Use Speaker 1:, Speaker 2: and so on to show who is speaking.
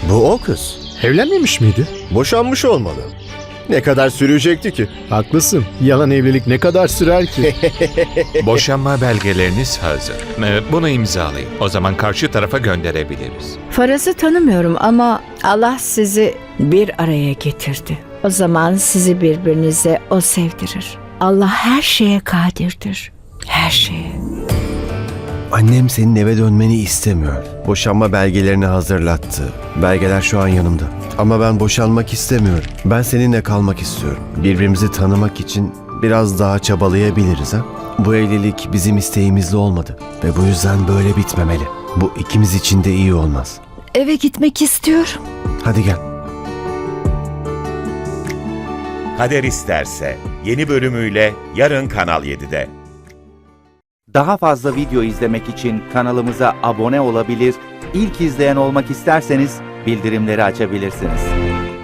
Speaker 1: Bu o kız.
Speaker 2: Evlenmemiş miydi?
Speaker 1: Boşanmış olmalı. Ne kadar sürecekti ki?
Speaker 2: Haklısın. Yalan evlilik ne kadar sürer ki?
Speaker 3: Boşanma belgeleriniz hazır. Bunu imzalayın. O zaman karşı tarafa gönderebiliriz.
Speaker 4: Faraz'ı tanımıyorum ama Allah sizi bir araya getirdi. O zaman sizi birbirinize o sevdirir. Allah her şeye kadirdir. Her şeye.
Speaker 5: Annem senin eve dönmeni istemiyor. Boşanma belgelerini hazırlattı. Belgeler şu an yanımda. Ama ben boşanmak istemiyorum. Ben seninle kalmak istiyorum. Birbirimizi tanımak için biraz daha çabalayabiliriz ha? Bu evlilik bizim isteğimizle olmadı. Ve bu yüzden böyle bitmemeli. Bu ikimiz için de iyi olmaz.
Speaker 4: Eve gitmek istiyorum.
Speaker 5: Hadi gel.
Speaker 6: Kader İsterse yeni bölümüyle yarın Kanal 7'de.
Speaker 7: Daha fazla video izlemek için kanalımıza abone olabilir, ilk izleyen olmak isterseniz bildirimleri açabilirsiniz.